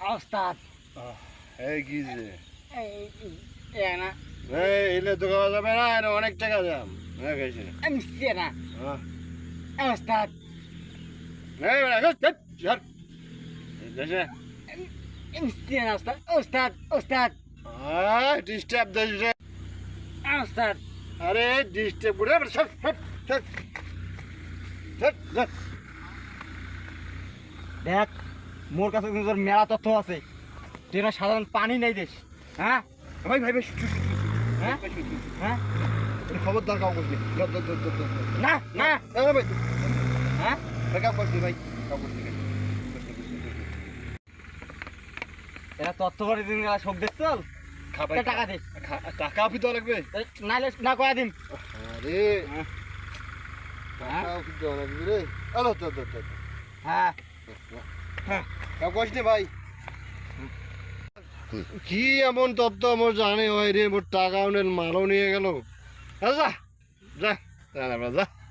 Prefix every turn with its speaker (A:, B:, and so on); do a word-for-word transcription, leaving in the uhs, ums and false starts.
A: ওস্তাদ
B: এই কি যে
A: এই না
B: এই এলে তো খাওয়া যাবে না, এর অনেক টাকা দাম। হ্যাঁ খাইছি না।
A: আমি সে না
B: হ্যাঁ
A: ওস্তাদ
B: এই বেটা গো চট চট দেশে
A: আমি সে না ওস্তাদ ওস্তাদ ওস্তাদ
B: আয় ডিস্টার্ব দেশ রে।
A: ওস্তাদ
B: আরে ডিস্টার্ব করে সব সব সব সব সব
A: দেখ মোর কাছে কিন্তু তোর মেলা তথ্য আছে তুই না সাধারণ পানি নেই দেশ হ্যাঁ
B: ভাই ভাই ভাই
A: হ্যাঁ হ্যাঁ
B: খবরদার কাউ করবি
A: না না
B: ভাই
A: হ্যাঁ
B: ভাই কাউ করবি ভাই কাউ করবি
A: এরা তথ্য করে দিন শোক দিস চল
B: খাবার
A: টাকা দে
B: টাকা পিতো লাগবে
A: নাইলে না কয়া দিন
B: আরে টাকা পিতো লাগবে রে আলো তো তো তো
A: হ্যাঁ হ্যাঁ
B: কাউ কষ্ট ভাই কি এমন তত্ত্ব আমার জানে হয় রে, মোর টাকা অনেক মালও নিয়ে গেল। যা যা যা